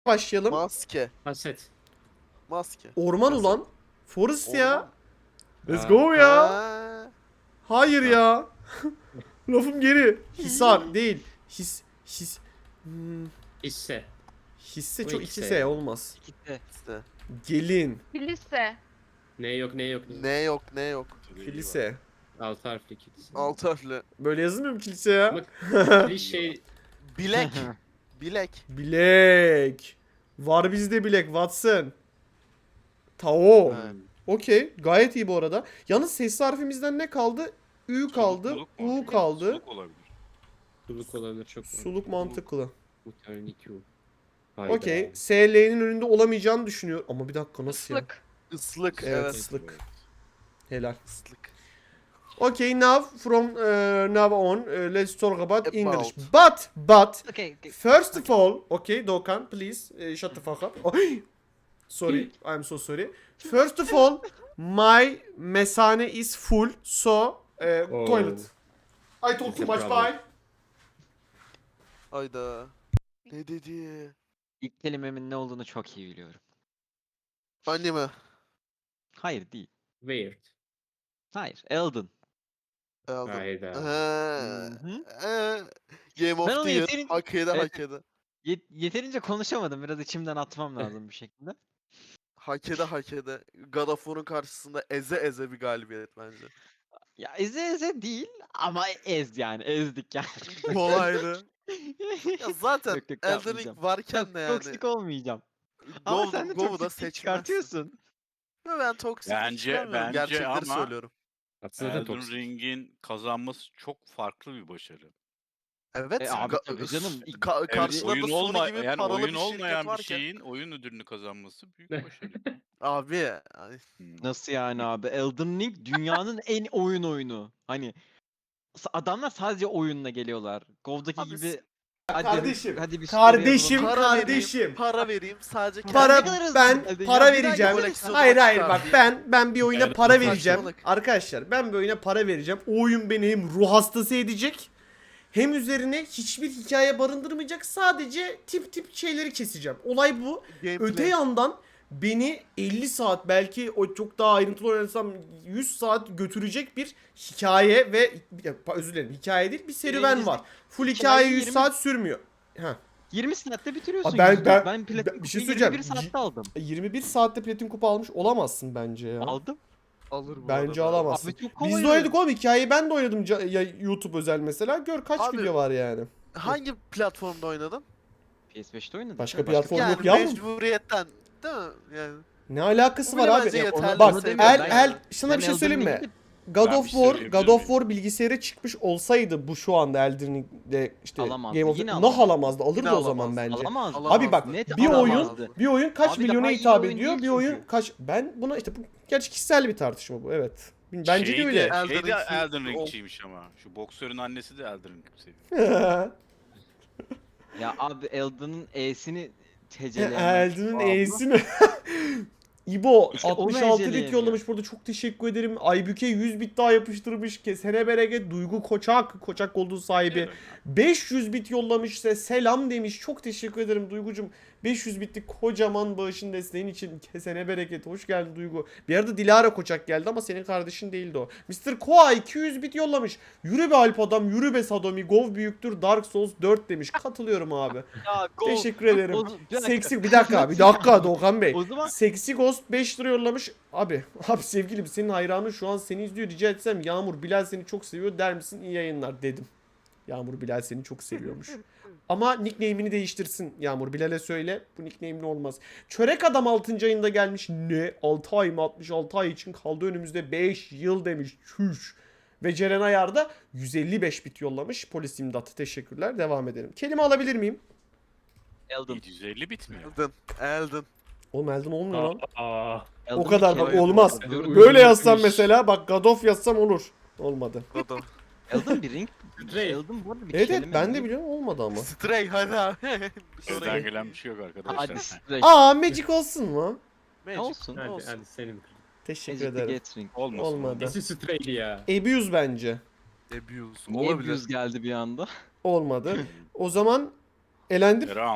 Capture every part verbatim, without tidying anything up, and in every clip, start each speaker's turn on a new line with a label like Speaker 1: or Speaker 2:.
Speaker 1: başlayalım.
Speaker 2: Maske.
Speaker 3: Haset.
Speaker 2: Maske.
Speaker 1: Orman
Speaker 2: Nasıl?
Speaker 1: ulan. Forest ya.
Speaker 2: Orman.
Speaker 1: Let's
Speaker 3: Aa.
Speaker 1: go ya.
Speaker 2: Ha.
Speaker 1: Hayır ya. Lafım geri. Hisar değil. His. His. Hmm,
Speaker 3: Hisse.
Speaker 1: hisse
Speaker 3: Bu
Speaker 1: çok
Speaker 3: ikisi.
Speaker 1: iki S olmaz.
Speaker 4: Gitti.
Speaker 2: İşte.
Speaker 1: Gelin.
Speaker 5: Kilise.
Speaker 3: Ne yok ne yok.
Speaker 2: Ne yok ne yok.
Speaker 1: Kilise.
Speaker 3: Altı harfli kilise.
Speaker 2: Altı harfli.
Speaker 1: Böyle yazılmıyor mu kilise ya?
Speaker 3: Ama klişe.
Speaker 2: Bilek. Bilek.
Speaker 1: Bilek. Var bizde bilek Watson. Tao.
Speaker 2: Evet.
Speaker 1: Okey. Gayet iyi bu arada. Yalnız ses harfimizden ne kaldı? Ü kaldı.
Speaker 6: Suluk mu?
Speaker 1: U kaldı.
Speaker 6: Suluk olabilir.
Speaker 3: Suluk olabilir çok.
Speaker 1: Suluk mantıklı.
Speaker 3: Muhtemelen iki U. Hayda.
Speaker 1: Okey. S L'nin önünde olamayacağını düşünüyor. Ama bir dakika nasıl ya?
Speaker 5: Islık.
Speaker 2: Islık.
Speaker 1: Evet,
Speaker 2: Evet.
Speaker 1: ıslık. Helal.
Speaker 2: Islık.
Speaker 1: Okay, now from uh, now on, uh, let's talk about,
Speaker 2: About.
Speaker 1: English. But, but,
Speaker 4: Okay, okay.
Speaker 1: first of all, okay, Doğukan, please uh, shut the fuck up. Oh, sorry, I'm so sorry. First of all, my mesane is full, so uh,
Speaker 3: Oh.
Speaker 1: toilet. I talk
Speaker 3: It's
Speaker 1: too
Speaker 3: a
Speaker 1: much.
Speaker 3: problem.
Speaker 1: Bye.
Speaker 2: Hayda. Ne dedi?
Speaker 4: İlk kelimemin ne olduğunu çok iyi biliyorum.
Speaker 2: Anime.
Speaker 4: Hayır değil.
Speaker 3: Weird.
Speaker 4: Hayır. Elden.
Speaker 2: Aldım.
Speaker 3: Hayda.
Speaker 2: Ha.
Speaker 4: Hı-hı.
Speaker 2: Ha. Game
Speaker 4: Ben
Speaker 2: of
Speaker 4: onu
Speaker 2: the Year.
Speaker 4: yeterince-
Speaker 2: Hak ede
Speaker 4: Evet.
Speaker 2: hak ede.
Speaker 4: Yet- yeterince konuşamadım. Biraz içimden atmam lazım bir şekilde.
Speaker 2: Hak ede hak ede. God of War'un karşısında eze eze bir galibiyet bence.
Speaker 4: Ya eze eze değil ama ez yani. Ezdik yani.
Speaker 2: Kolaydı. Ya zaten
Speaker 4: Yok, yok,
Speaker 2: Elden
Speaker 4: yapmayacağım.
Speaker 2: Ring varken
Speaker 4: Çok
Speaker 2: de yani.
Speaker 4: toksik olmayacağım. Ama
Speaker 2: Gov,
Speaker 4: sen de
Speaker 2: Gov'u da
Speaker 4: toksiklik
Speaker 2: seçmezsin.
Speaker 4: çıkartıyorsun.
Speaker 2: Ya ben toksik
Speaker 6: Bence-
Speaker 2: çıkarmıyorum.
Speaker 6: bence
Speaker 2: Gerçekleri
Speaker 6: ama-
Speaker 2: söylüyorum.
Speaker 3: Aslında da
Speaker 6: Elden
Speaker 3: toksik.
Speaker 6: Ring'in kazanması çok farklı bir başarı.
Speaker 2: Evet.
Speaker 4: E abi
Speaker 2: ga-
Speaker 4: tabii canım. İlk-
Speaker 2: Ka-
Speaker 6: Evet,
Speaker 2: karşılarında
Speaker 6: oyun
Speaker 2: Sony
Speaker 6: olma
Speaker 2: gibi
Speaker 6: yani
Speaker 2: paralı
Speaker 6: oyun
Speaker 2: bir şirket
Speaker 6: olmayan bir
Speaker 2: varken.
Speaker 6: şeyin oyun ödülünü kazanması büyük başarı.
Speaker 2: Abi. ay,
Speaker 6: Hmm.
Speaker 4: Nasıl yani abi? Elden Ring dünyanın en oyun oyunu. Hani s- adamlar sadece oyunla geliyorlar. Gov'daki
Speaker 2: Abi
Speaker 4: gibi
Speaker 2: s-
Speaker 4: hadi,
Speaker 1: Kardeşim,
Speaker 4: hadi bir
Speaker 1: kardeşim,
Speaker 4: story
Speaker 2: Para
Speaker 1: kardeşim.
Speaker 2: vereyim. Para vereyim. Sadece
Speaker 1: Para,
Speaker 4: Ne kadar hızlı
Speaker 1: ben
Speaker 4: geldi ya.
Speaker 1: para
Speaker 4: Bir
Speaker 1: vereceğim.
Speaker 2: koleksiyonu
Speaker 1: Hayır hayır
Speaker 2: çıkar
Speaker 1: bak
Speaker 2: diye.
Speaker 1: ben ben bir oyuna
Speaker 6: Evet,
Speaker 1: para
Speaker 2: bu
Speaker 1: vereceğim.
Speaker 2: saçmalık.
Speaker 1: Arkadaşlar ben bir oyuna para vereceğim. O oyun beni hem ruh hastası edecek hem üzerine hiçbir hikaye barındırmayacak. Sadece tip tip şeyleri keseceğim. Olay bu.
Speaker 2: gameplay.
Speaker 1: Öte yandan beni elli saat belki o çok daha ayrıntılı oynasam yüz saat götürecek bir hikaye ve ya, özür dilerim hikaye değil bir serüven
Speaker 4: Birincisi-
Speaker 1: var. Full
Speaker 4: hikayeyi
Speaker 1: hikaye yüz
Speaker 4: yirmi
Speaker 1: saat sürmüyor. Ha.
Speaker 4: yirmi saatte bitiriyorsun.
Speaker 1: Abi ben-
Speaker 4: yüzde.
Speaker 1: ben-
Speaker 4: ben platin
Speaker 1: ben- bir şey
Speaker 4: kupayı
Speaker 1: söyleyeceğim.
Speaker 4: yirmi bir saatte aldım.
Speaker 1: yirmi bir saatte platin kupa almış olamazsın bence ya.
Speaker 4: Aldım.
Speaker 2: Alır bu
Speaker 1: Bence
Speaker 2: arada.
Speaker 1: alamazsın.
Speaker 4: Abi çok
Speaker 1: Biz
Speaker 4: kolay
Speaker 1: de oynadık oğlum hikayeyi ben de oynadım ca- ya YouTube özel mesela. Gör kaç
Speaker 2: Abi-
Speaker 1: video var yani.
Speaker 2: Hangi platformda oynadın?
Speaker 4: P S beşte oynadım.
Speaker 1: Başka
Speaker 4: Ya,
Speaker 1: platform
Speaker 2: yani
Speaker 1: yok yavrum.
Speaker 2: mecburiyetten değil mi? Yani
Speaker 1: Ne alakası
Speaker 2: Bu
Speaker 1: var
Speaker 2: bile
Speaker 1: abi?
Speaker 2: bence
Speaker 1: Ya,
Speaker 2: yeterli.
Speaker 1: bak
Speaker 2: Onu
Speaker 1: el
Speaker 2: demiyorum
Speaker 4: ben.
Speaker 1: el sana
Speaker 4: Ben
Speaker 1: bir şey
Speaker 4: Elden
Speaker 1: söyleyeyim mi?
Speaker 4: Ring'de-
Speaker 1: God
Speaker 6: Ben
Speaker 1: of
Speaker 6: bir
Speaker 1: War,
Speaker 6: söyleyebilir
Speaker 1: God of
Speaker 6: miyim?
Speaker 1: War bilgisayara çıkmış olsaydı bu şu anda Elden Ring'de işte
Speaker 4: Alamazdı,
Speaker 1: Game of
Speaker 4: yine
Speaker 1: Nah
Speaker 4: alamazdı.
Speaker 1: alamazdı. Alırdı
Speaker 2: Yine
Speaker 1: o zaman
Speaker 2: alamazdı.
Speaker 1: bence.
Speaker 4: Alamaz.
Speaker 2: Alamazdı.
Speaker 1: Abi bak
Speaker 4: Net
Speaker 1: bir oyun
Speaker 4: alamazdı.
Speaker 1: bir oyun kaç
Speaker 4: Abi
Speaker 1: milyona
Speaker 4: daha iyi
Speaker 1: hitap
Speaker 4: oyun
Speaker 1: ediyor?
Speaker 4: değil
Speaker 1: Bir oyun
Speaker 4: çünkü.
Speaker 1: kaç ben buna işte bu gerçi kişisel bir tartışma bu evet. Bence
Speaker 6: şey
Speaker 1: de öyle.
Speaker 6: De, şey
Speaker 2: Elden
Speaker 6: de
Speaker 2: Ring-
Speaker 6: Elden Ring'çiymiş ama. Şu boksörün annesi de Elden Ring seviyor.
Speaker 4: Ya abi Elden'ın E'sini teceleyemem.
Speaker 1: Elden'in
Speaker 4: Abi.
Speaker 1: E'sini. İbo
Speaker 4: İşte onu
Speaker 1: altmış altı bit
Speaker 4: eceleyemiyor.
Speaker 1: yollamış burada çok teşekkür ederim. Aybüke yüz bit daha yapıştırmış. Kesene bereket Duygu Koçak Koçak olduğu sahibi.
Speaker 6: Evet.
Speaker 1: beş yüz bit yollamış size selam demiş. Çok teşekkür ederim Duygucum. beş yüz bitlik kocaman bağışın desteğin için kesene bereket. Hoş geldin Duygu. Bir arada Dilara Koçak geldi ama senin kardeşin değildi o. mister Koa iki yüz bit yollamış. Yürü be Alp adam, yürü be Sadomi. Gov büyüktür Dark Souls dört demiş. Katılıyorum abi.
Speaker 4: Ya, go.
Speaker 1: Teşekkür ederim.
Speaker 4: O- bir dakika.
Speaker 1: Seksi bir dakika bir dakika Doğukan Bey.
Speaker 4: O zaman
Speaker 1: Seksi Ghost beş lira yollamış. Abi abi sevgilim senin hayranın şu an seni izliyor. Rica etsem Yağmur Bilal seni çok seviyor der misin? İyi yayınlar dedim. Yağmur Bilal seni çok seviyormuş. Ama nickname'ini değiştirsin Yağmur. Bilal'e söyle. Bu nickname'li olmaz. Çörek Adam altıncı ayında gelmiş. Ne? altı ay mı? altmış altı ay için kaldı önümüzde beş yıl demiş. Çüş. Ve Ceren Ayar da yüz elli beş bit yollamış. Polis imdat. Teşekkürler. Devam edelim. Kelime alabilir miyim?
Speaker 4: Elden.
Speaker 6: yedi yüz elli bitmiyor.
Speaker 2: Elden. Elden.
Speaker 1: Oğlum Elden olmuyor lan.
Speaker 3: Aa.
Speaker 1: O
Speaker 4: Elden
Speaker 1: kadar
Speaker 4: bir
Speaker 1: bak
Speaker 4: kere-
Speaker 1: olmaz.
Speaker 3: Uygun
Speaker 1: Böyle yazsam
Speaker 3: bitmiş.
Speaker 1: mesela bak God of yazsam olur. Olmadı.
Speaker 2: Adam.
Speaker 4: Elden bir ring.
Speaker 3: Stray.
Speaker 4: Elden bu arada bir
Speaker 1: Evet
Speaker 4: kelime
Speaker 1: evet ben de
Speaker 4: değil.
Speaker 1: biliyorum olmadı ama.
Speaker 2: Stray hadi abi.
Speaker 6: Sizden gelen bir şey yok arkadaşlar.
Speaker 4: Hadi Stray.
Speaker 1: Aa Magic olsun mu?
Speaker 2: Magic.
Speaker 4: Olsun.
Speaker 3: Hadi,
Speaker 2: Olsun.
Speaker 3: hadi senin.
Speaker 1: Teşekkür
Speaker 4: Magic the
Speaker 1: ederim.
Speaker 4: Gathering.
Speaker 6: Olmasın.
Speaker 1: Olmadı.
Speaker 3: Nesi strayli ya?
Speaker 1: Abuse bence.
Speaker 2: Abuse.
Speaker 4: Niye
Speaker 2: Olabilir.
Speaker 4: Abuse geldi bir anda?
Speaker 1: Olmadı. O zaman elendim.
Speaker 6: Round.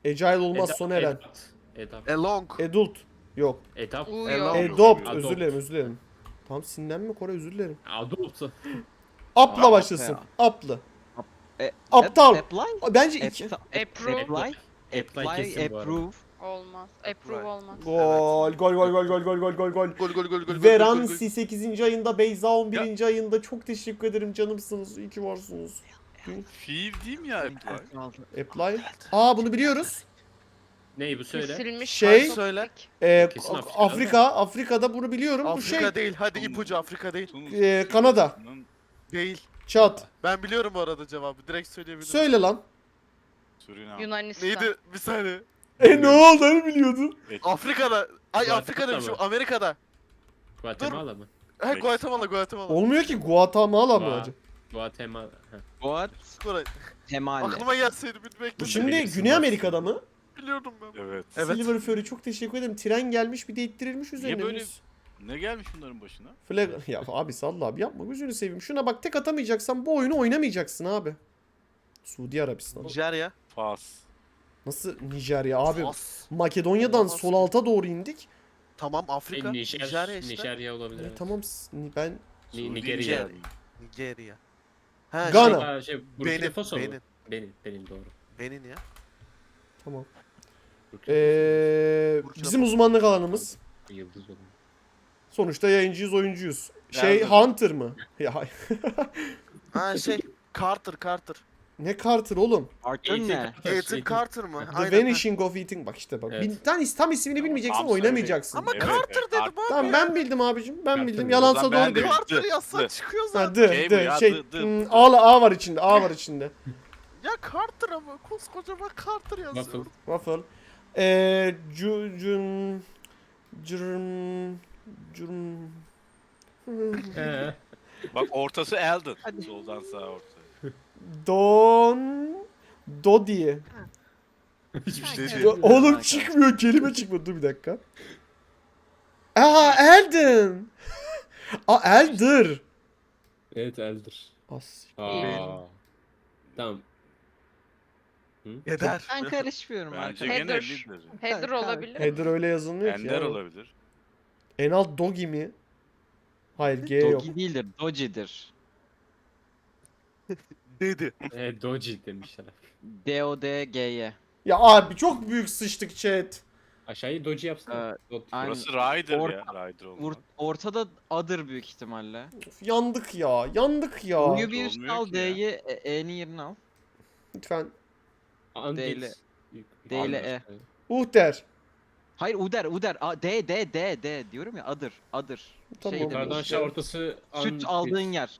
Speaker 1: Agile olmaz
Speaker 3: Edap-
Speaker 1: Soner Eren.
Speaker 3: Edap. Edap.
Speaker 2: Elong.
Speaker 1: Adult. Yok.
Speaker 3: Etap.
Speaker 2: Elong.
Speaker 1: Adopt.
Speaker 3: Adopt.
Speaker 1: Özür dilerim özür dilerim. Tam sinirlenme Kore özür dilerim.
Speaker 3: Adopt.
Speaker 1: Apla
Speaker 4: Aa,
Speaker 1: başlasın.
Speaker 4: ya.
Speaker 1: Aplı.
Speaker 4: E,
Speaker 1: Aptal.
Speaker 4: Apply?
Speaker 1: Bence iki.
Speaker 5: Approve.
Speaker 4: Apply?
Speaker 3: Apply
Speaker 4: Apply,
Speaker 3: kesin bu arada.
Speaker 4: approve.
Speaker 5: Olmaz. Approve olmaz.
Speaker 1: Gol gol gol gol gol gol gol gol gol.
Speaker 2: Gol gol gol gol gol.
Speaker 1: Veransi sekizinci ayında, Beyza on birinci ayında. Çok teşekkür ederim canımsınız. İyi ki varsınız.
Speaker 6: Fiil değil mi ya? Apply?
Speaker 1: Apply. Aa bunu biliyoruz.
Speaker 3: Neyi bu söyle?
Speaker 5: Kesilmiş.
Speaker 1: Şey-
Speaker 5: kartopu.
Speaker 2: Söyle.
Speaker 1: Ee,
Speaker 3: Kesin
Speaker 1: Afrika,
Speaker 3: Afrika'da
Speaker 1: Afrika'da bunu biliyorum. Bu
Speaker 2: Afrika
Speaker 1: şey
Speaker 2: değil. Hadi ipucu Afrika değil.
Speaker 6: Tunus.
Speaker 1: Ee, Kanada.
Speaker 2: Değil.
Speaker 1: Çat.
Speaker 2: Ben biliyorum bu arada cevabı. Direkt söyleyebilirim.
Speaker 1: Söyle lan.
Speaker 6: Surinam.
Speaker 5: Yunanistan.
Speaker 2: Neydi? Bir saniye.
Speaker 1: E ne oldu hani biliyordun?
Speaker 2: Afrika'da. Ay
Speaker 3: Guatemala
Speaker 2: Afrika demişim.
Speaker 3: mı?
Speaker 2: Amerika'da.
Speaker 3: Guatemala mı?
Speaker 2: Ha
Speaker 6: Meksika.
Speaker 2: Guatemala Guatemala.
Speaker 1: Olmuyor ki Guatemala mı
Speaker 3: Gua-
Speaker 1: acaba?
Speaker 3: Guatemala. Heh.
Speaker 4: Guat
Speaker 2: Koray.
Speaker 4: Temale.
Speaker 2: Aklıma gelseydi bilmek
Speaker 1: Bu
Speaker 2: istedim.
Speaker 1: şimdi
Speaker 3: bilirsin
Speaker 1: Güney
Speaker 3: bak.
Speaker 1: Amerika'da mı?
Speaker 2: Biliyordum ben.
Speaker 6: Evet.
Speaker 2: Evet.
Speaker 1: Silver Fury çok teşekkür ederim. Tren gelmiş bir de ittirilmiş üzerine.
Speaker 6: böyle-
Speaker 1: biz.
Speaker 6: Ne gelmiş bunların başına?
Speaker 1: Flag... Ya abi salla abi yapma gözünü seveyim. Şuna bak tek atamayacaksan bu oyunu oynamayacaksın abi. Suudi Arabistan.
Speaker 2: Nijerya.
Speaker 6: Fas.
Speaker 1: Nasıl Nijerya abi?
Speaker 2: Fas.
Speaker 1: Makedonya'dan
Speaker 2: Olamaz
Speaker 1: sol
Speaker 2: ki.
Speaker 1: alta doğru indik.
Speaker 2: Tamam Afrika.
Speaker 3: E, Nijer,
Speaker 2: Nijerya işte.
Speaker 3: Nijerya olabilir.
Speaker 1: E,
Speaker 3: evet.
Speaker 1: tamam s- ni- ben
Speaker 3: Ni-
Speaker 6: Suudi
Speaker 3: Nigerya.
Speaker 6: Nijerya.
Speaker 2: Nijerya. Ha,
Speaker 1: Gana.
Speaker 2: Şey,
Speaker 3: Aa, şey, Burkina
Speaker 2: Benin.
Speaker 3: Faso mu?
Speaker 2: Benin.
Speaker 3: Benim, benim doğru.
Speaker 2: Benin ya.
Speaker 1: tamam.
Speaker 3: Burkina
Speaker 1: Ee,
Speaker 2: Burkina
Speaker 1: bizim
Speaker 2: Faso.
Speaker 1: uzmanlık alanımız.
Speaker 3: Faso, Yıldız olun.
Speaker 1: Sonuçta yayıncıyız, oyuncuyuz. Şey
Speaker 6: Nerede?
Speaker 1: Hunter mı? Ya
Speaker 2: Ha şey. Carter Carter.
Speaker 1: ne Carter oğlum?
Speaker 4: Arthur ne?
Speaker 2: Ethan Carter mı?
Speaker 1: The
Speaker 2: Aynen.
Speaker 1: Vanishing of Ethan. Bak işte bak.
Speaker 3: Evet.
Speaker 1: Bir tane tam ismini bilmeyeceksin,
Speaker 6: Tam söyle.
Speaker 1: oynamayacaksın.
Speaker 2: Ama
Speaker 6: Evet,
Speaker 2: Carter
Speaker 6: evet,
Speaker 2: dedim
Speaker 6: Carter.
Speaker 2: abi.
Speaker 1: Tamam ben bildim abicim. Ben
Speaker 3: Carter
Speaker 1: bildim.
Speaker 3: mi?
Speaker 1: Yalansa
Speaker 6: O zaman ben
Speaker 1: doğru
Speaker 6: de-
Speaker 1: değil.
Speaker 2: Carter
Speaker 6: Dı,
Speaker 2: yazsan
Speaker 6: dı.
Speaker 2: çıkıyor
Speaker 1: Ha,
Speaker 2: zaten.
Speaker 1: dı,
Speaker 6: Şey bu
Speaker 1: dı,
Speaker 6: ya,
Speaker 1: şey.
Speaker 6: dı, dı.
Speaker 1: hmm, A, A var içinde. A var içinde.
Speaker 2: Ya Carter ama koskocaman Carter yazıyor.
Speaker 3: Waffle.
Speaker 1: Waffle. Eee cu, cun cürm cürm
Speaker 3: Ee,
Speaker 6: Bak ortası Eldon. Soldan sağa orta.
Speaker 1: don Dodi.
Speaker 3: hiçbir şey
Speaker 2: Dedi.
Speaker 1: Do- Oğlum çıkmıyor, kelime çıkmadı. Dur bir dakika. Aa Elden. Aa Elder.
Speaker 3: Evet, Elder.
Speaker 1: As.
Speaker 3: Aa. Tamam.
Speaker 2: Yeter.
Speaker 4: Ben karışmıyorum
Speaker 6: Bence
Speaker 4: arkadaşlar.
Speaker 6: gene
Speaker 5: Header.
Speaker 6: lider.
Speaker 5: Header olabilir.
Speaker 1: Header öyle yazılmıyor ki.
Speaker 6: Ender
Speaker 1: ya.
Speaker 6: olabilir.
Speaker 1: En alt Dogi mi? Hayır G yok.
Speaker 4: Dogi değildir, Doji'dir.
Speaker 2: Dedi.
Speaker 3: E, Doji demişler.
Speaker 4: D O D G Y.
Speaker 1: Ya abi çok büyük sıçtık chat.
Speaker 3: Aşağıyı Doji yapsana.
Speaker 4: Ee,
Speaker 3: Dot-
Speaker 4: aynen.
Speaker 6: Burası Ryder
Speaker 4: Or-
Speaker 6: ya. Ryder olmaz.
Speaker 4: Or- ortada Adır büyük ihtimalle.
Speaker 1: Of, yandık ya. Yandık ya.
Speaker 4: U'yu bir üstüne
Speaker 6: olmuyor
Speaker 4: al,
Speaker 6: ki ya.
Speaker 4: D'yi E- E'nin yerine al.
Speaker 1: Lütfen.
Speaker 3: Andit.
Speaker 4: D ile-
Speaker 3: Yük-
Speaker 4: D ile
Speaker 3: Andit.
Speaker 1: Uhter.
Speaker 4: Hayır Uder, Uder. A, D, D, D, D diyorum ya Adır, Adır.
Speaker 1: Tamam.
Speaker 4: Şey
Speaker 3: Yukarıdan
Speaker 4: demiş.
Speaker 3: aşağı ortası
Speaker 4: Süt
Speaker 3: Andit.
Speaker 4: aldığın yer.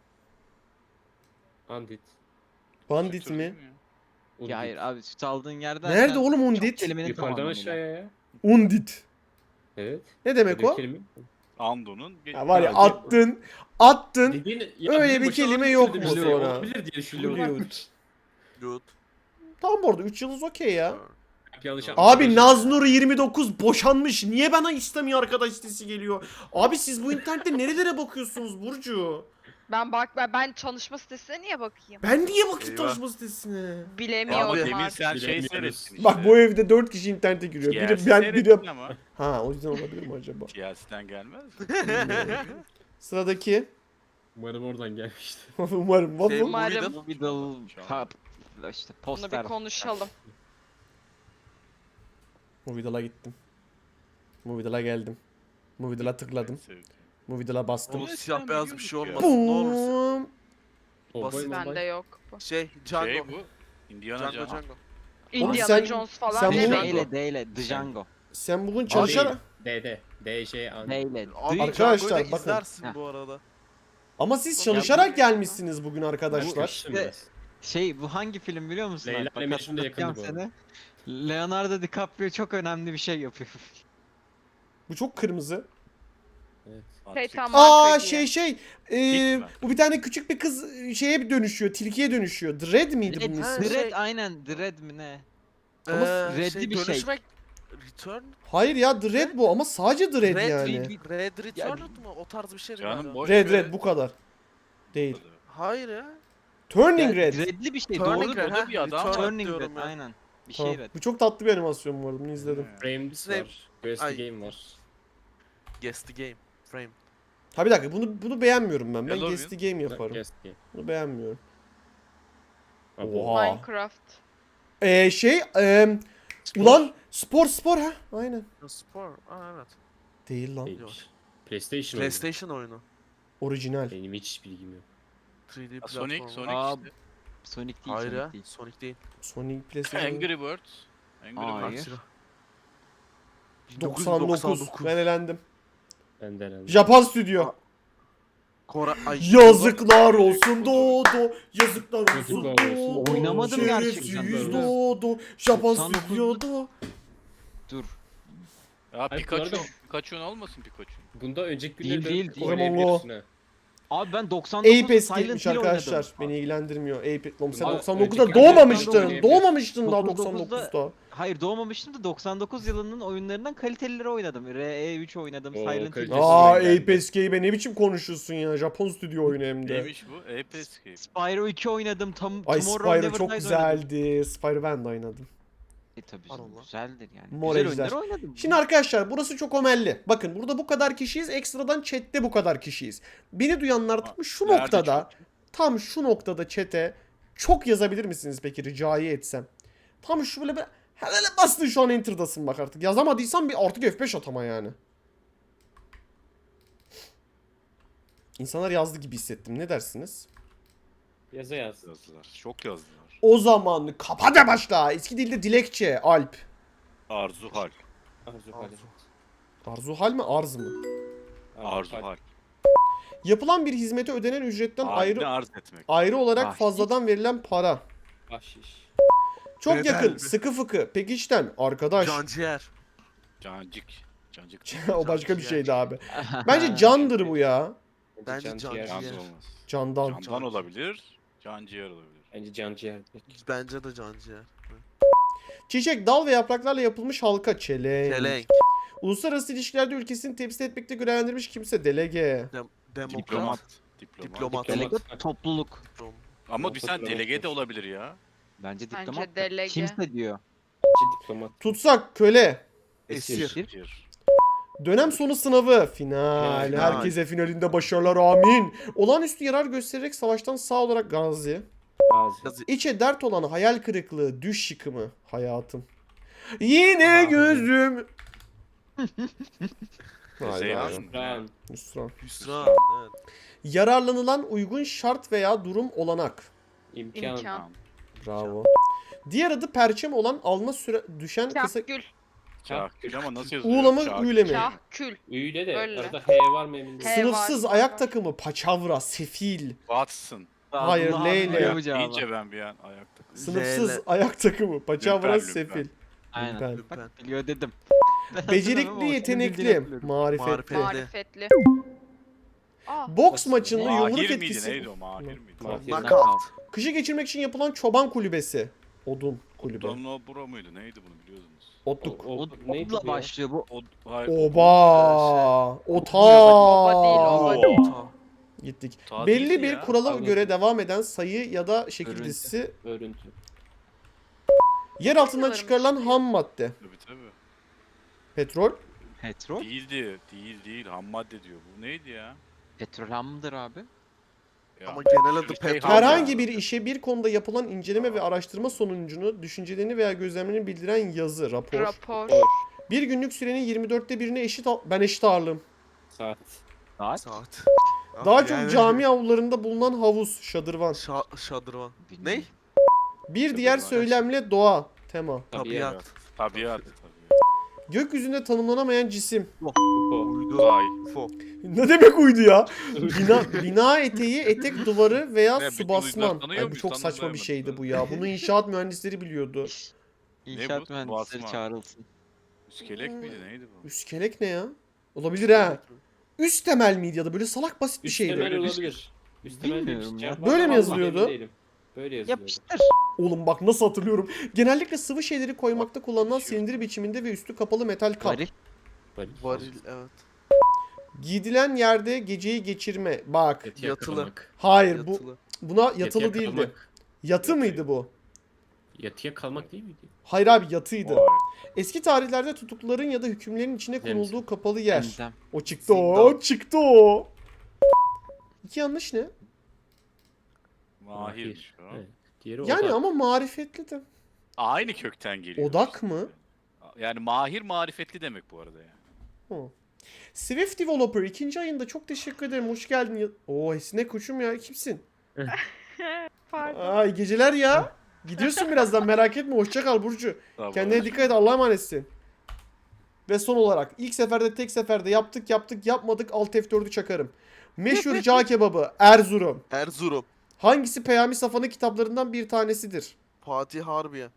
Speaker 3: Andit.
Speaker 1: Bandit
Speaker 6: Sütür
Speaker 1: mi?
Speaker 6: değil ya?
Speaker 3: Undit.
Speaker 4: Ya hayır abi süt aldığın yerden.
Speaker 1: Nerede oğlum Undit?
Speaker 4: Kelimenin
Speaker 3: Yukarıdan
Speaker 4: tamamıyla.
Speaker 3: aşağıya ya.
Speaker 1: Undit.
Speaker 3: Evet.
Speaker 1: Ne demek
Speaker 3: Böyle
Speaker 1: o?
Speaker 3: kelime.
Speaker 6: Ando'nun ge-
Speaker 1: Ya var ya
Speaker 3: Ya,
Speaker 1: attın. Attın.
Speaker 3: Dediğin, ya
Speaker 1: Öyle
Speaker 3: benim
Speaker 1: bir
Speaker 3: başıma
Speaker 1: kelime
Speaker 3: bir
Speaker 1: yok
Speaker 3: şey
Speaker 1: mu
Speaker 3: demişti,
Speaker 1: sonra?
Speaker 3: Olabilir diye düşünüyorum.
Speaker 1: Blue.
Speaker 2: Good.
Speaker 1: Tamam bu arada üç yıldız okey ya.
Speaker 3: Yanlış
Speaker 1: Abi Naznur yirmi dokuz boşanmış. Niye bana istemiyor arkadaş sitesi geliyor? Abi siz bu internette nerelere bakıyorsunuz Burcu?
Speaker 5: Ben bak ben, ben çalışma sitesine niye bakayım?
Speaker 1: Ben niye bakayım
Speaker 2: Eyvah.
Speaker 1: tanışma sitesine?
Speaker 5: Bilemiyorum
Speaker 2: Abi,
Speaker 6: Demin
Speaker 5: artık.
Speaker 6: sen şey
Speaker 3: Bilemiyoruz.
Speaker 6: seyrettin işte.
Speaker 1: Bak bu evde dört kişi internete giriyor. Biri
Speaker 6: Siyasi
Speaker 1: ben
Speaker 6: seyrettin
Speaker 1: biri...
Speaker 6: ama.
Speaker 1: Ha o yüzden olabilir mi acaba?
Speaker 6: Siyasiden gelmez.
Speaker 1: Sıradaki.
Speaker 3: Umarım oradan gelmişti.
Speaker 1: Umarım.
Speaker 2: Şey,
Speaker 1: Waffle.
Speaker 5: Umarım.
Speaker 2: Movie'de-
Speaker 4: Middle, ha, işte
Speaker 5: Bunu bir
Speaker 4: poster.
Speaker 5: konuşalım.
Speaker 1: Movidal'a gittim. Movidal'a geldim. Movidal'a tıkladım. Movidal'a bastım.
Speaker 2: Oğlum
Speaker 6: Evet,
Speaker 2: siyah
Speaker 6: sen
Speaker 2: beyaz bir şey
Speaker 6: biliyorduk
Speaker 2: olmasın.
Speaker 6: ya.
Speaker 2: Ne olursun.
Speaker 1: Boom.
Speaker 3: Kovboy
Speaker 2: Basit.
Speaker 3: mobay.
Speaker 5: Bende yok bu.
Speaker 2: Şey Django.
Speaker 6: Şey bu. Indiana
Speaker 2: Django
Speaker 6: Jones.
Speaker 2: Django.
Speaker 5: Indiana
Speaker 1: sen-
Speaker 5: Jones falan
Speaker 1: sen
Speaker 4: D
Speaker 1: bunu-
Speaker 5: demeyin.
Speaker 4: ile, D ile, Django.
Speaker 1: Sen bugün
Speaker 3: Abi,
Speaker 1: çalışarak...
Speaker 3: D D. D J Andit.
Speaker 4: D ile.
Speaker 2: Abi
Speaker 4: D-
Speaker 1: Arkadaşlar,
Speaker 2: Django'yu da
Speaker 1: bakın.
Speaker 2: izlersin
Speaker 4: Heh.
Speaker 2: bu arada.
Speaker 1: Ama siz
Speaker 2: Ya
Speaker 1: çalışarak
Speaker 2: bu-
Speaker 1: gelmişsiniz bugün arkadaşlar.
Speaker 3: Kaçtım biraz.
Speaker 4: Şey bu hangi film biliyor musun?
Speaker 3: Leyla
Speaker 4: Alp? Bak,
Speaker 3: ile Mecnun da yakındı
Speaker 4: hatırlatacağım
Speaker 3: bu
Speaker 4: seni. Leonardo DiCaprio çok önemli bir şey yapıyor.
Speaker 1: Bu çok kırmızı.
Speaker 3: Evet.
Speaker 5: Şey,
Speaker 6: Attık.
Speaker 5: tamam.
Speaker 1: Aa
Speaker 5: Marka
Speaker 1: şey
Speaker 5: diye.
Speaker 1: şey.
Speaker 6: Hiç
Speaker 1: Ee,
Speaker 6: mi?
Speaker 1: bu bir tane küçük bir kız e, şeye dönüşüyor. Tilkiye dönüşüyor. Dread miydi bunun
Speaker 4: Dread,
Speaker 1: ismi?
Speaker 2: Şey-
Speaker 4: Dread aynen Dread mi ne?
Speaker 1: Ama
Speaker 2: Ee,
Speaker 4: redli bir şey.
Speaker 2: dönüşmek... Return?
Speaker 1: Hayır ya Dread bu ama sadece Dread
Speaker 2: Red,
Speaker 1: yani.
Speaker 2: Red, Red Returned mı? O tarz bir şey
Speaker 6: Canım
Speaker 2: galiba.
Speaker 6: boş
Speaker 1: Red
Speaker 6: ver.
Speaker 1: Red bu kadar. Değil.
Speaker 2: Hayır ya.
Speaker 1: Turning
Speaker 4: Ya,
Speaker 1: Red.
Speaker 4: Dread'li bir şey
Speaker 2: Turning
Speaker 4: doğru.
Speaker 2: Red,
Speaker 6: o da
Speaker 2: ha,
Speaker 6: bir adam.
Speaker 2: Returned
Speaker 4: Turning
Speaker 2: diyorum
Speaker 4: Red
Speaker 2: ya.
Speaker 4: aynen. Bir
Speaker 1: Tamam.
Speaker 4: şey üret.
Speaker 1: Bu çok tatlı bir animasyon bu arada. Bunu izledim.
Speaker 6: Ee,
Speaker 3: Frames
Speaker 2: Ne-
Speaker 3: var. Guess the
Speaker 2: Ay.
Speaker 3: Game var.
Speaker 2: Guess the game. Frame.
Speaker 1: Ha bir dakika bunu bunu beğenmiyorum ben. Ben
Speaker 6: Hello
Speaker 1: Guess the Game yaparım.
Speaker 3: Guess the Game.
Speaker 1: Bunu beğenmiyorum.
Speaker 3: Abo.
Speaker 1: Oha.
Speaker 5: Minecraft.
Speaker 1: Ee, şey eee ulan spor spor ha. Aynen.
Speaker 2: Spor. Aa evet.
Speaker 1: Değil lan.
Speaker 3: Değilmiş. PlayStation oyunu.
Speaker 2: PlayStation oyunu.
Speaker 1: Orijinal.
Speaker 3: Benim hiç bilgim yok.
Speaker 2: üç D
Speaker 6: Ha,
Speaker 2: platform.
Speaker 6: Sonic, Sonic
Speaker 4: Aa,
Speaker 6: işte.
Speaker 4: Sonic değil,
Speaker 2: Hayır
Speaker 4: Sonic
Speaker 2: ya.
Speaker 4: değil.
Speaker 2: Sonic değil.
Speaker 1: Sonic PlayStation.
Speaker 6: Angry Birds. Angry
Speaker 4: Hayır.
Speaker 6: Birds.
Speaker 1: doksan dokuz. Ben elendim.
Speaker 3: Ben de herhalde.
Speaker 1: Japon stüdyo.
Speaker 2: Kora Ay,
Speaker 1: Yazıklar olsun Dodo. Yazıklar olsun
Speaker 3: Yazıklar olsun.
Speaker 1: Dodo.
Speaker 4: Oynamadım
Speaker 1: Şerefsiz
Speaker 4: gerçekten.
Speaker 1: Dodo. Japon
Speaker 4: doksan dokuz
Speaker 1: stüdyo.
Speaker 4: Dur.
Speaker 6: Ya
Speaker 3: Hayır,
Speaker 6: Pikachu.
Speaker 3: bu arada-
Speaker 6: Pikachu'nun olmasın Pikachu.
Speaker 3: Bunda önceki
Speaker 4: Değil,
Speaker 3: günlerde
Speaker 4: değil, değil.
Speaker 3: oynayabiliyorsun ha.
Speaker 4: Abi ben doksan dokuz
Speaker 1: Ape
Speaker 4: Silent
Speaker 1: eskiymiş
Speaker 4: Hill
Speaker 1: arkadaşlar.
Speaker 4: oynadım.
Speaker 1: Beni ilgilendirmiyor. Ape. Oğlum sen
Speaker 3: Abi,
Speaker 1: doksan dokuzda
Speaker 3: önceki
Speaker 1: doğmamıştın.
Speaker 3: oynayabiliyorsun.
Speaker 1: Doğmamıştın daha
Speaker 4: doksan
Speaker 1: doksan
Speaker 4: dokuzda
Speaker 1: dokuzda.
Speaker 4: Hayır doğmamıştım da doksan dokuz yılının oyunlarından kalitelileri oynadım. R E üç oynadım,
Speaker 3: Oo,
Speaker 4: Silent Hill.
Speaker 3: kalitesiz
Speaker 1: Aa
Speaker 3: oyun geldi.
Speaker 1: Ape eskiyi be ne biçim konuşuyorsun ya. Japon stüdyo oyunu hem de.
Speaker 6: Neymiş bu? Ape Escape.
Speaker 4: Spyro iki oynadım. Tam
Speaker 1: Ay
Speaker 4: Tomorrow
Speaker 1: Spyro
Speaker 4: Never
Speaker 1: çok
Speaker 4: Dies oynadım.
Speaker 1: güzeldi. Spyro ben de oynadım.
Speaker 4: E tabii
Speaker 2: Allah
Speaker 4: canım,
Speaker 2: Allah.
Speaker 4: güzeldir yani.
Speaker 1: Mor
Speaker 4: Güzel
Speaker 1: ejder.
Speaker 4: oyunları oynadım.
Speaker 1: Şimdi arkadaşlar burası çok omelli. Bakın burada bu kadar kişiyiz. Ekstradan chatte bu kadar kişiyiz. Beni duyanlar tam şu
Speaker 6: Nerede
Speaker 1: noktada,
Speaker 6: çok?
Speaker 1: tam şu noktada chat'e çok yazabilir misiniz peki ricayı etsem? Tam şu böyle bir hele bastın şu an enter'dasın bak artık. Yazamadıysan bir artık F beş atama yani. İnsanlar yazdı gibi hissettim. Ne dersiniz?
Speaker 3: Yaza yaz.
Speaker 6: Yazdılar. Çok yazdılar.
Speaker 1: O zaman kapa da başla. Eski dilde dilekçe. Alp.
Speaker 6: Arzu Hal.
Speaker 3: Arzu Hal.
Speaker 1: Arzu hal mi arz mı?
Speaker 6: Arzu Hal.
Speaker 1: Yapılan bir hizmete ödenen ücretten ayrı
Speaker 6: Haline arz etmek.
Speaker 1: ayrı olarak
Speaker 4: Bahşiş.
Speaker 1: fazladan verilen para.
Speaker 3: Bahşiş.
Speaker 1: Çok
Speaker 2: Bedel
Speaker 1: yakın,
Speaker 2: mi?
Speaker 1: sıkı fıkı, pekişten, arkadaş.
Speaker 2: Canciğer.
Speaker 6: Cancık. Cancık.
Speaker 1: O başka bir
Speaker 2: Canciğer.
Speaker 1: şeydi abi. Bence candır bu ya.
Speaker 2: Bence
Speaker 3: can
Speaker 2: can
Speaker 3: ciğer.
Speaker 6: Can
Speaker 2: ciğer.
Speaker 6: olmaz.
Speaker 1: Candan.
Speaker 2: Can-
Speaker 6: Candan olabilir. Canciğer olabilir.
Speaker 3: Bence can ciğer.
Speaker 2: Bence de canciğer.
Speaker 1: Çiçek, dal ve yapraklarla yapılmış halka. Çelenk.
Speaker 2: Çelenk.
Speaker 1: Uluslararası ilişkilerde ülkesini temsil etmekte görevlendirilmiş kimse. Delege.
Speaker 2: Dem demokrat.
Speaker 6: Diplomat. Diplomat.
Speaker 2: Diplomat.
Speaker 4: Delegat topluluk.
Speaker 2: Diplomat.
Speaker 6: Ama bir sen
Speaker 3: Diplomat
Speaker 6: delege de
Speaker 3: olsun.
Speaker 6: olabilir ya.
Speaker 4: Bence
Speaker 5: Bence
Speaker 4: diplomat.
Speaker 5: delege.
Speaker 4: Kimse diyor.
Speaker 3: Bence diplomat.
Speaker 1: Tutsak, köle.
Speaker 2: Esir.
Speaker 6: Esir.
Speaker 1: Dönem sonu sınavı. Final.
Speaker 3: Final.
Speaker 1: Herkese finalinde başarılar amin. Olağanüstü yarar göstererek savaştan sağ olarak gazi.
Speaker 3: Gazi.
Speaker 2: Yazı-
Speaker 1: İçe dert olan hayal kırıklığı, düş yıkımı. Hayatım. Yine
Speaker 6: Aa,
Speaker 1: gözüm. Hayır,
Speaker 6: Hüseyin
Speaker 1: hayır.
Speaker 6: Hanım.
Speaker 3: Ran.
Speaker 1: Hüsran.
Speaker 2: Hüsran. Evet.
Speaker 1: Yararlanılan uygun şart veya durum olanak.
Speaker 3: İmkan.
Speaker 5: İmkan.
Speaker 1: Bravo. Diğer adı perçem olan alma süre düşen kısa...
Speaker 5: Kahkül.
Speaker 6: Çakül ama nasıl yazılıyor?
Speaker 1: Uğla mı,
Speaker 6: Çakül.
Speaker 1: üyle mi?
Speaker 5: Kahkül.
Speaker 3: Üyle de
Speaker 5: Öyle.
Speaker 3: arada H var mı emin değilim.
Speaker 5: He.
Speaker 1: Sınıfsız
Speaker 5: var,
Speaker 1: ayak
Speaker 5: var.
Speaker 1: takımı, paçavra, sefil.
Speaker 6: Watson.
Speaker 1: Hayır,
Speaker 4: Abdullah
Speaker 1: Leyle.
Speaker 4: abi biliyor bu
Speaker 6: Ya,
Speaker 4: cevabı.
Speaker 6: deyince ben bir an ayakta.
Speaker 1: Sınıfsız
Speaker 2: Leyle.
Speaker 1: ayak takımı, paçavra,
Speaker 6: Lümpen, lümpen.
Speaker 1: sefil.
Speaker 4: Aynen.
Speaker 1: Lümpen.
Speaker 2: Lüpen.
Speaker 4: Bak biliyor dedim.
Speaker 1: Becerikli,
Speaker 4: Ama o senin
Speaker 1: yetenekli,
Speaker 4: bildiğini hatırlıyorum.
Speaker 1: marifetli.
Speaker 2: Marifetli.
Speaker 5: Marifetli. Aa.
Speaker 1: Boks maçında yumruk
Speaker 6: Mahir miydi?
Speaker 1: etkisi.
Speaker 6: Neydi o? Mahir miydi?
Speaker 3: Mahir.
Speaker 2: Knockout.
Speaker 1: Kışı geçirmek için yapılan çoban kulübesi. Odun kulübe.
Speaker 6: Donlo Bura mıydı? Neydi bunu biliyorsunuz?
Speaker 1: Otluk.
Speaker 3: O, o,
Speaker 4: O
Speaker 3: neydi
Speaker 4: odla
Speaker 3: bu ya?
Speaker 4: başlıyor bu.
Speaker 6: O, hayır,
Speaker 1: Oba. Ota.
Speaker 5: Oba değil, oba değil.
Speaker 2: Ta.
Speaker 1: Gittik.
Speaker 6: Ta
Speaker 1: Belli
Speaker 6: değildi
Speaker 1: bir
Speaker 6: ya.
Speaker 1: kurala
Speaker 3: Anladım.
Speaker 1: göre devam eden sayı ya da şekil
Speaker 4: Örüntü.
Speaker 1: dizisi
Speaker 3: Örüntü.
Speaker 1: yer altından
Speaker 5: Sanırım
Speaker 1: çıkarılan
Speaker 5: işte.
Speaker 1: ham madde.
Speaker 6: Tabii tabii.
Speaker 1: Petrol.
Speaker 4: Petrol.
Speaker 6: Değildi. Değil değil. Ham madde diyor. Bu neydi ya?
Speaker 4: Petrol ham mıdır abi?
Speaker 6: Ya,
Speaker 2: Ama genel adı
Speaker 6: şey
Speaker 2: petrol.
Speaker 6: ham
Speaker 1: Herhangi
Speaker 6: ya.
Speaker 1: bir işe bir konuda yapılan inceleme ve araştırma sonucunu, düşüncelerini veya gözlemlerini bildiren yazı, rapor.
Speaker 5: Rapor.
Speaker 1: Bir günlük sürenin yirmi dörtte birine eşit al- ben eşit ağırlığım.
Speaker 3: Saat.
Speaker 4: Saat.
Speaker 2: Saat.
Speaker 1: Daha
Speaker 2: Ah,
Speaker 1: çok
Speaker 2: yani-
Speaker 1: cami avlularında bulunan havuz, şadırvan.
Speaker 2: Şa şadırvan.
Speaker 4: Bilmiyorum.
Speaker 1: Bir diğer
Speaker 6: Şadırvan.
Speaker 1: söylemle doğa, tema.
Speaker 2: Tabiat.
Speaker 6: Tabiat. Tabiat.
Speaker 1: Gökyüzünde tanımlanamayan cisim.
Speaker 3: Upo.
Speaker 2: Uydu.
Speaker 6: Ay.
Speaker 2: U F O.
Speaker 1: Ne demek uydu ya? Bina, bina eteği, etek duvarı veya
Speaker 6: Ne,
Speaker 1: su
Speaker 6: bütün
Speaker 1: basman.
Speaker 6: uydular tanıyor
Speaker 1: Ay, bu
Speaker 6: muyuz?
Speaker 1: çok saçma bir
Speaker 6: Tanımlayamadık
Speaker 1: şeydi
Speaker 6: ben.
Speaker 1: bu ya. Bunu inşaat mühendisleri biliyordu.
Speaker 4: İnşaat
Speaker 6: bu?
Speaker 4: mühendisleri
Speaker 6: Basma.
Speaker 4: çağrılsın.
Speaker 6: İskelek miydi? Neydi bu?
Speaker 1: Üskelek ne ya? Olabilir ha. Üst temel miydi ya da böyle salak basit bir
Speaker 3: Üst
Speaker 1: şeydi.
Speaker 3: temel
Speaker 6: Öyle bir
Speaker 3: olabilir. Üst temel
Speaker 4: Bilmiyorum
Speaker 3: demiş.
Speaker 4: ya.
Speaker 3: Cevap
Speaker 1: Böyle
Speaker 3: var
Speaker 1: mi
Speaker 3: ama
Speaker 1: yazılıyordu?
Speaker 3: emin değilim. Böyle yazılıyordu.
Speaker 4: Yapıştır.
Speaker 1: Oğlum bak nasıl hatırlıyorum. Genellikle sıvı şeyleri koymakta kullanılan
Speaker 6: Şey-
Speaker 1: silindir biçiminde ve üstü kapalı metal kap.
Speaker 4: Varil.
Speaker 3: Varil.
Speaker 2: Varil evet.
Speaker 1: Giydilen yerde geceyi geçirme. Bak.
Speaker 3: Et
Speaker 2: Yatılı.
Speaker 3: yakalamak.
Speaker 1: Hayır bu
Speaker 2: Yatılı.
Speaker 1: buna
Speaker 3: Et
Speaker 1: yatılı değildi.
Speaker 3: yakalamak.
Speaker 1: Yatı
Speaker 6: Yatı.
Speaker 1: mıydı bu?
Speaker 3: Yatıya kalmak değil miydi?
Speaker 1: Hayır abi yatıydı.
Speaker 6: Vay.
Speaker 1: Eski tarihlerde tutukluların ya da hükümlerin içine
Speaker 3: Zemzem.
Speaker 1: konulduğu kapalı yer.
Speaker 4: Zemzem.
Speaker 1: O çıktı o.
Speaker 2: Zindan.
Speaker 1: Çıktı o. İki yanlış ne?
Speaker 6: Mahir. o.
Speaker 3: Evet. Diğeri
Speaker 1: Yani
Speaker 3: odak.
Speaker 1: ama marifetli de.
Speaker 6: Aynı kökten geliyor.
Speaker 1: Odak mı?
Speaker 6: Yani mahir marifetli demek bu arada yani.
Speaker 1: Hı. Swift Developer ikinci ayında çok teşekkür ederim. Hoş geldin. ya- Oo esnek koçum ya. Kimsin?
Speaker 5: Pardon.
Speaker 1: Ay geceler ya. Gidiyorsun birazdan merak etme. Hoşça kal Burcu.
Speaker 6: Tamam.
Speaker 1: Kendine dikkat et. Allah'a emanetsin. Ve son olarak ilk seferde tek seferde yaptık yaptık yapmadık alt F dördü çakarım. Meşhur cağ kebabı Erzurum.
Speaker 2: Erzurum.
Speaker 1: Hangisi Peyami Safa'nın kitaplarından bir tanesidir?
Speaker 2: Fatih Harbiye.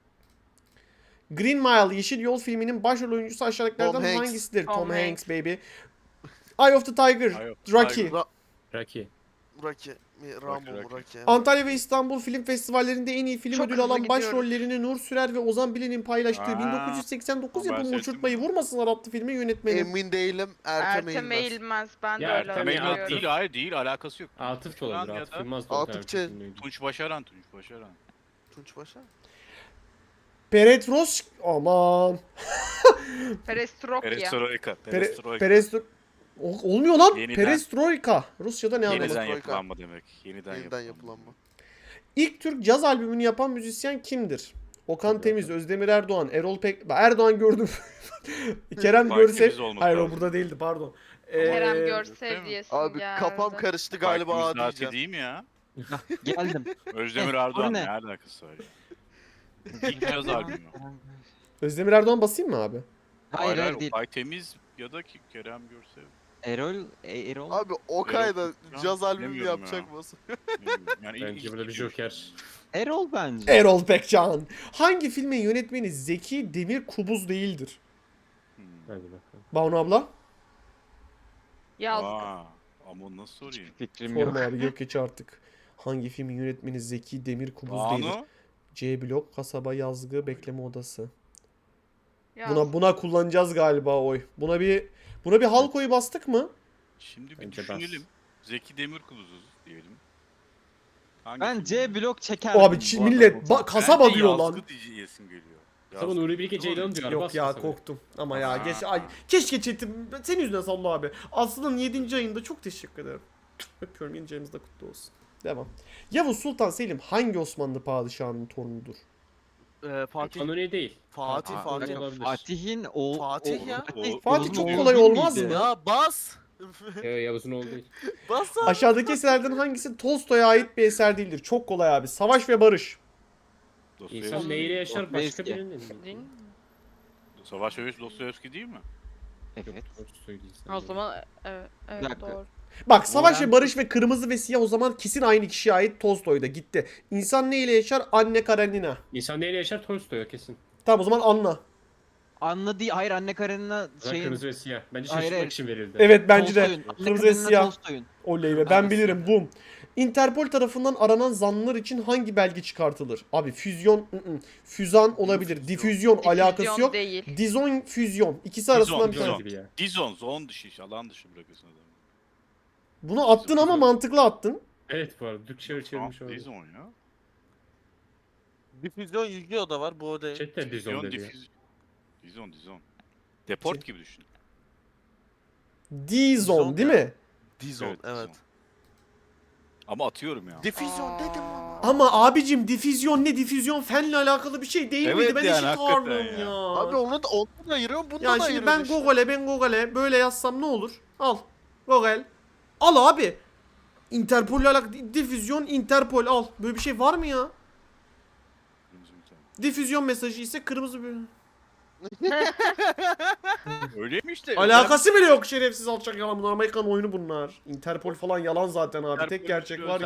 Speaker 1: Green Mile Yeşil Yol filminin başrol oyuncusu aşağıdakilerden
Speaker 2: Tom Hanks.
Speaker 1: hangisidir? Tom,
Speaker 5: Tom
Speaker 1: Hanks.
Speaker 5: Hanks.
Speaker 1: baby. Eye of the Tiger.
Speaker 6: Eye of the
Speaker 1: Rocky.
Speaker 6: Tiger.
Speaker 2: Ra
Speaker 3: Rocky.
Speaker 2: Rocky. mi? Rambo mu?
Speaker 6: Rocky.
Speaker 2: Rocky.
Speaker 1: Antalya ve İstanbul film festivallerinde en iyi film
Speaker 5: Çok
Speaker 1: ödülü
Speaker 5: hızlı
Speaker 1: alan
Speaker 5: gidiyoruz.
Speaker 1: başrollerini Nur Sürer ve Ozan Bilen'in paylaştığı
Speaker 6: Aa,
Speaker 1: bin dokuz yüz seksen dokuz
Speaker 6: ben
Speaker 1: yapımı
Speaker 6: seyrettim.
Speaker 1: Uçurtmayı Vurmasınlar adlı filmin yönetmeni.
Speaker 2: Emin değilim. Ertem,
Speaker 5: Ertem
Speaker 2: Eğilmez.
Speaker 5: Eğilmez. Ben de
Speaker 3: Ya
Speaker 5: öyle
Speaker 3: Ertem Eğilmez
Speaker 6: Temel
Speaker 5: hatırlıyorum.
Speaker 6: değil hayır değil alakası yok.
Speaker 3: Atıf da olabilir.
Speaker 6: Ya
Speaker 3: Atıf
Speaker 6: da-
Speaker 3: Yılmaz da
Speaker 2: Atıf
Speaker 3: olabilir.
Speaker 2: Çe-
Speaker 3: Ünlüydü.
Speaker 6: Tunç Başaran, Tunç Başaran.
Speaker 2: Tunç Başar.
Speaker 1: Peretros aman.
Speaker 5: Perestroika.
Speaker 6: Perestroika.
Speaker 1: Pere,
Speaker 6: Perestroika.
Speaker 1: Perestro... O- Olmuyor lan.
Speaker 6: Yeniden.
Speaker 1: Perestroika. Rusya'da ne anlamı?
Speaker 6: Yeniden
Speaker 2: Troika.
Speaker 6: yapılanma demek. Yeniden,
Speaker 2: Yeniden
Speaker 6: yapılanma.
Speaker 2: yapılanma.
Speaker 1: İlk Türk caz albümünü yapan müzisyen kimdir? Okan Temiz, Özdemir Erdoğan, Erol Pek... Erdoğan gördüm. Kerem
Speaker 6: Fatih
Speaker 1: Görsev...
Speaker 6: Temiz olması
Speaker 1: Hayır o
Speaker 6: lazım.
Speaker 1: burada değildi pardon.
Speaker 5: Kerem
Speaker 1: Ee,
Speaker 5: Görsev diyesin
Speaker 2: Abi
Speaker 5: geldi.
Speaker 2: kafam karıştı galiba
Speaker 6: Galiba
Speaker 2: A diyeceğim.
Speaker 6: değil mi ya?
Speaker 4: Geldim.
Speaker 6: Özdemir
Speaker 4: Eh,
Speaker 6: Erdoğan
Speaker 4: o
Speaker 6: ne
Speaker 4: ne?
Speaker 6: alakası var ya? İlk yaz albümü.
Speaker 1: Özdemir Erdoğan basayım mı abi?
Speaker 4: Hayır hayır değil.
Speaker 6: Bay Temiz ya da ki Kerem Görsev.
Speaker 4: Erol, e, Erol.
Speaker 2: Abi Okay da
Speaker 6: Erol-
Speaker 2: caz albümü
Speaker 6: Bilmiyorum
Speaker 2: yapacak
Speaker 6: ya.
Speaker 2: mısın?
Speaker 6: Bilmiyorum. Yani ilk-
Speaker 3: Bence
Speaker 6: ilk
Speaker 3: burada bir
Speaker 6: gidiyor.
Speaker 3: joker.
Speaker 4: Erol bence.
Speaker 1: Erol Pekcan. Hangi filmin yönetmeni Zeki Demir Kubuz değildir?
Speaker 6: Hmm.
Speaker 3: Hadi bakalım.
Speaker 1: Banu abla?
Speaker 5: Yazdı.
Speaker 6: Aa, ama nasıl sorayım?
Speaker 4: Fikrim yok.
Speaker 1: Sorma abi yok geç artık. Hangi filmin yönetmeni Zeki Demir Kubuz değildir?
Speaker 6: Banu.
Speaker 1: C blok, kasaba, yazgı, bekleme odası.
Speaker 5: Yazdı.
Speaker 1: Buna buna kullanacağız galiba oy. Buna bir buna bir halk oyu bastık mı?
Speaker 6: Şimdi bir
Speaker 3: Bence bas.
Speaker 6: düşünelim. Zeki Demirkubuz'u diyelim. Hangi
Speaker 4: Ben
Speaker 6: film?
Speaker 4: C blok çekerdim.
Speaker 1: Abi
Speaker 4: bu
Speaker 1: çi-
Speaker 4: arada
Speaker 1: millet
Speaker 4: bu
Speaker 1: ba-
Speaker 4: sefer.
Speaker 1: kasaba
Speaker 6: Bence
Speaker 1: diyor lan.
Speaker 6: yazgı diyesim geliyor.
Speaker 3: Tamam
Speaker 6: Yazgı.
Speaker 3: Nuri Bilge Ceylan diyor.
Speaker 1: Yok
Speaker 3: bas
Speaker 1: ya
Speaker 3: kasabaya.
Speaker 1: korktum. Ama ya
Speaker 6: Aa.
Speaker 1: geç ay keşke chatim senin yüzünden Sallı abi. Aslı'nın yedinci ayında çok teşekkür ederim. Öpüyorum yeni ayımız da kutlu olsun. Devam. Yavuz Sultan Selim hangi Osmanlı padişahının torunudur?
Speaker 2: Ee, Fatih.
Speaker 3: Kanuni değil.
Speaker 2: Fatih
Speaker 4: Aa,
Speaker 2: Fatih.
Speaker 3: öyle olabilir.
Speaker 4: Fatih'in o...
Speaker 2: Fatih
Speaker 4: o-
Speaker 2: ya.
Speaker 6: O-
Speaker 1: Fatih
Speaker 4: Oğlum,
Speaker 1: çok
Speaker 4: oğlum
Speaker 1: kolay
Speaker 4: değil
Speaker 1: olmaz
Speaker 4: miydi?
Speaker 1: mı?
Speaker 2: Ya bas.
Speaker 3: Yo, Yavuz'un oğlu değil.
Speaker 2: Bas abi.
Speaker 1: Aşağıdaki eserlerden hangisi Tolstoy'a ait bir eser değildir? Çok kolay abi. Savaş ve Barış.
Speaker 6: Dostoyevski.
Speaker 3: İnsan neyle yaşar başka
Speaker 4: Dostoyevski.
Speaker 3: birinin.
Speaker 5: Değil mi?
Speaker 6: Savaş Öğüs Dostoyevski değil mi?
Speaker 4: Evet.
Speaker 3: Tolstoy değil
Speaker 5: O
Speaker 3: sanırım.
Speaker 5: zaman evet, evet
Speaker 4: Bir dakika.
Speaker 5: doğru.
Speaker 1: Bak Savaş ve
Speaker 4: Orhan-
Speaker 1: Barış ve Kırmızı ve Siyah o zaman kesin aynı kişiye ait Tolstoy'da gitti. İnsan neyle yaşar? Anne Karenina.
Speaker 3: İnsan neyle yaşar Tolstoy o kesin.
Speaker 1: Tamam o zaman Anna.
Speaker 4: Anla değil. Hayır Anne Karenina
Speaker 3: Şeyin...
Speaker 4: şeyin...
Speaker 3: Kırmızı ve siyah. Bence
Speaker 4: Hayır,
Speaker 3: şaşırtmak
Speaker 4: hayır.
Speaker 3: için verildi.
Speaker 1: Evet bence de.
Speaker 4: Tolstoy'un. Anne
Speaker 1: Kırmızı ve
Speaker 4: Karenina
Speaker 1: siyah.
Speaker 4: Tolstoy'un.
Speaker 1: Oley be ben
Speaker 4: Hangisi?
Speaker 1: bilirim. Bum. Interpol tarafından aranan zanlılar için hangi belge çıkartılır? Abi füzyon, ı -ı. füzan olabilir.
Speaker 6: Difüzyon.
Speaker 1: Difüzyon alakası
Speaker 5: Difüzyon
Speaker 1: yok.
Speaker 5: değil.
Speaker 1: Dizon füzyon. İkisi arasından bir
Speaker 6: Dizon.
Speaker 1: tane.
Speaker 3: gibi ya.
Speaker 6: Dizon, zon dışı iş, alan dışı bırakıyorsun adamı.
Speaker 1: Bunu attın ama
Speaker 3: Dizon.
Speaker 1: mantıklı attın.
Speaker 3: Evet bu arada. Türkçe çevirmiş oldu.
Speaker 6: Dizon ya.
Speaker 2: Difüzyon Yu-Gi-Oh da var bu o değil.
Speaker 3: Chat'te Dizon
Speaker 6: Dizon,
Speaker 3: dedi ya.
Speaker 6: difüz... Dizon, Dizon. Deport gibi düşün.
Speaker 1: Dizon
Speaker 2: Dizon
Speaker 1: değil
Speaker 2: ya.
Speaker 1: mi?
Speaker 2: Dizon evet.
Speaker 6: Dizon. Ama atıyorum ya.
Speaker 2: Difüzyon dedim ama.
Speaker 1: Ama abicim difüzyon ne? Difüzyon fenle alakalı bir şey değil
Speaker 6: Evet
Speaker 1: miydi? Ben
Speaker 6: yani,
Speaker 1: eşit
Speaker 6: hakikaten
Speaker 1: ağırlığım
Speaker 6: ya.
Speaker 1: ya.
Speaker 2: Abi onu da onu da ayırıyorum bunu
Speaker 1: Ya
Speaker 2: da
Speaker 1: şimdi
Speaker 2: ayırıyorum
Speaker 1: ben
Speaker 2: işte.
Speaker 1: Google'e ben Google'e böyle yazsam ne olur? Al. Google. Al abi. Interpol'le alakalı difüzyon Interpol al. Böyle bir şey var mı ya? Difüzyon mesajı ise kırmızı bir...
Speaker 6: Öyle mi işte?
Speaker 1: Alakası bile yok şerefsiz alçak yalan bunlar. Amerikan oyunu bunlar. Interpol falan yalan zaten abi.
Speaker 6: Interpol
Speaker 1: Tek gerçek
Speaker 6: bir
Speaker 1: var
Speaker 6: özel